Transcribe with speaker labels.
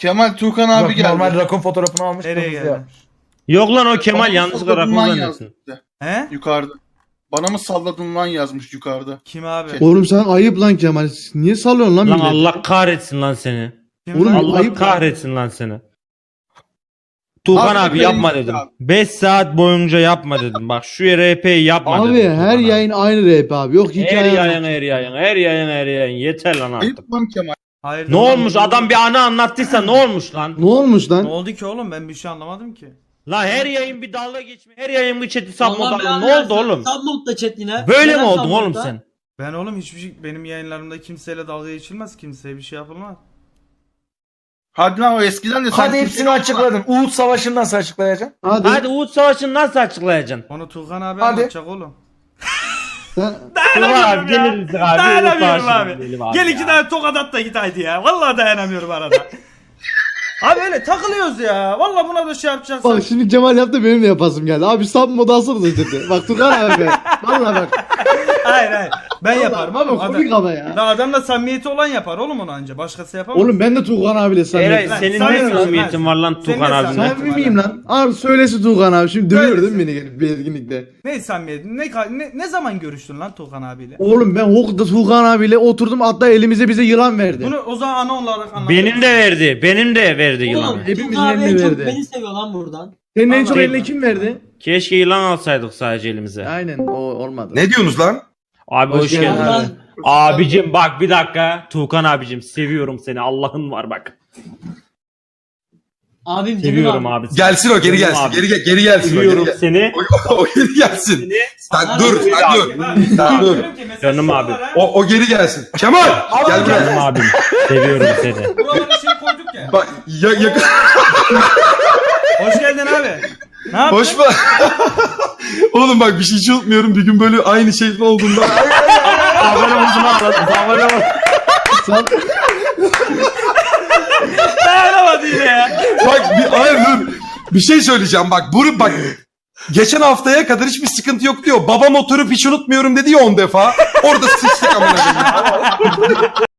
Speaker 1: Kemal Tuğkan abi
Speaker 2: Yok,
Speaker 1: geldi.
Speaker 2: normal rakun fotoğrafını almış.
Speaker 3: Nereye
Speaker 2: kırmızı
Speaker 3: geldi?
Speaker 2: yapmış.
Speaker 4: Yok lan o Kemal
Speaker 1: Bana mı
Speaker 4: yanlışlıkla
Speaker 1: salladın
Speaker 4: rakun
Speaker 1: lan
Speaker 4: zannetsin.
Speaker 1: yazdı
Speaker 3: He?
Speaker 1: yukarıda. Bana mı salladın lan yazmış yukarıda.
Speaker 3: Kim abi?
Speaker 5: Oğlum sen ayıp lan Kemal. Niye sallıyorsun lan
Speaker 4: Lan
Speaker 5: milleti?
Speaker 4: Allah kahretsin lan seni.
Speaker 3: Kim
Speaker 5: Oğlum,
Speaker 3: lan?
Speaker 4: Allah
Speaker 5: ayıp
Speaker 4: kahretsin lan seni. Tuğkan
Speaker 1: Abi,
Speaker 4: abi
Speaker 1: benim
Speaker 4: yapma
Speaker 1: abi.
Speaker 4: dedim. 5 saat boyunca yapma dedim. Bak şu RP'yi yapma dedim.
Speaker 5: Abi
Speaker 4: Tuğkan
Speaker 5: her
Speaker 4: abi.
Speaker 5: yayın aynı rap abi. Yok
Speaker 4: Her
Speaker 5: hikaye.
Speaker 4: yayın her yayın her yayın her yayın yeter lan artık.
Speaker 1: Ayıp lan Kemal.
Speaker 3: Hayır,
Speaker 4: Ne olmuş adam bir anı anlattıysa ne olmuş lan?
Speaker 5: Ne olmuş
Speaker 3: Ne
Speaker 5: lan?
Speaker 3: oldu ki oğlum, ben bir şey anlamadım ki.
Speaker 4: Lan her yayın bir dalga geçme. Her yayın bir chat'i
Speaker 6: Allah
Speaker 4: sapma.
Speaker 6: belanı
Speaker 4: Ne oldu
Speaker 6: versin.
Speaker 4: oğlum?
Speaker 6: Submod'da chat yine.
Speaker 4: Böyle
Speaker 6: Neden
Speaker 4: mi oldun oğlum
Speaker 6: submod'da?
Speaker 4: sen?
Speaker 3: Ben oğlum hiçbir şey, benim yayınlarımda kimseyle dalga geçilmez, kimseye bir şey yapılmaz.
Speaker 1: Hadi lan o eskiden de sen
Speaker 2: Hadi hepsini açıkladın. Uğut Savaşı'nı nasıl açıklayacaksın?
Speaker 5: Hadi.
Speaker 4: Hadi Uğut Savaşı'nı nasıl açıklayacaksın?
Speaker 3: Onu Tuğkan abi
Speaker 2: Hadi.
Speaker 3: anlatacak oğlum.
Speaker 5: Sen...
Speaker 4: Tuğkan abi gelir misin abi?
Speaker 3: Dayanamıyorum
Speaker 4: Uğut
Speaker 3: abi.
Speaker 4: Savaşı'nı diyelim
Speaker 3: Gel
Speaker 4: ya.
Speaker 3: iki tane tokat at da git haydi ya. Vallahi dayanamıyorum arada. Abi öyle takılıyoruz ya. Vallahi buna da şey yapacaksın.
Speaker 5: Bak şimdi Cemal yaptı benim de yapasım geldi. Abi sub modu alsana da dedi. Bak Tukan abi be. Valla bak.
Speaker 3: Hayır. Ben yaparım
Speaker 5: Ama
Speaker 3: oğlum.
Speaker 5: komik ama ya.
Speaker 3: La adamla samimiyeti olan yapar oğlum onu anca. Başkası yapamaz.
Speaker 5: Oğlum ben de Tukan abiyle
Speaker 4: Eray
Speaker 5: samimiyim.
Speaker 3: Lan,
Speaker 4: senin
Speaker 3: sen
Speaker 4: ne
Speaker 3: de-
Speaker 4: samimiyetin
Speaker 3: sen-
Speaker 4: var lan
Speaker 3: sen
Speaker 4: Tuğkan
Speaker 3: de
Speaker 4: abinle?
Speaker 3: samimi-
Speaker 5: Samimi miyim lan? Abi söylesin Tukan abi. Şimdi dövüyor değil mi beni gelip bir etkinlikte?
Speaker 3: Ne samimiyeti? Ne zaman görüştün lan Tuğkan abiyle?
Speaker 5: Oğlum ben Hok'ta Tukan abiyle oturdum hatta elimize bize yılan verdi.
Speaker 3: Bunu o zaman ana olarak anlat.
Speaker 4: Benim de verdi. Benim de verdi
Speaker 6: Oğlum
Speaker 4: yılanı.
Speaker 5: Hepimizin
Speaker 6: Tuğkan abi en
Speaker 5: elini
Speaker 6: çok
Speaker 5: verdi.
Speaker 6: beni seviyor lan buradan.
Speaker 5: Senin en çok
Speaker 3: Allah
Speaker 5: eline
Speaker 3: Allah.
Speaker 5: kim verdi?
Speaker 4: Keşke yılan alsaydık sadece elimize.
Speaker 5: Aynen o olmadı.
Speaker 7: Ne diyorsunuz lan?
Speaker 4: Abi hoş geldin.
Speaker 5: geldin
Speaker 6: abi.
Speaker 4: Abicim bak bir dakika. Tuğkan abicim seviyorum seni. Allah'ın var bak.
Speaker 6: Abim
Speaker 4: Seviyorum
Speaker 6: abi.
Speaker 4: abi.
Speaker 7: Gelsin o geri
Speaker 4: Canım
Speaker 7: gelsin.
Speaker 4: abi.
Speaker 7: Geri gelsin. O,
Speaker 4: Seviyorum
Speaker 7: geri,
Speaker 4: seni.
Speaker 7: o geri gelsin. Sen dur. Sen dur. Sen dur.
Speaker 4: Canım abi.
Speaker 7: O geri gelsin. Kemal gel
Speaker 4: Canım
Speaker 7: buraya.
Speaker 4: abim. Seviyorum seni.
Speaker 3: Buralara şey koyduk ya.
Speaker 7: Bak
Speaker 3: Hoş geldin abi. Ne yaptın?
Speaker 7: hoş mu? Oğlum bak bir şey hiç unutmuyorum. Bir gün böyle aynı şey olduğunda.
Speaker 4: Abone oldum abi. Abone oldum.
Speaker 5: Sen...
Speaker 3: Dayanamadı yine ya.
Speaker 7: Bak hayır dur. Bir şey söyleyeceğim bak. Bak. Geçen haftaya kadar hiçbir sıkıntı yok diyor. Babam oturup hiç unutmuyorum dedi ya 10 defa. Orada sıçtık amına koyayım.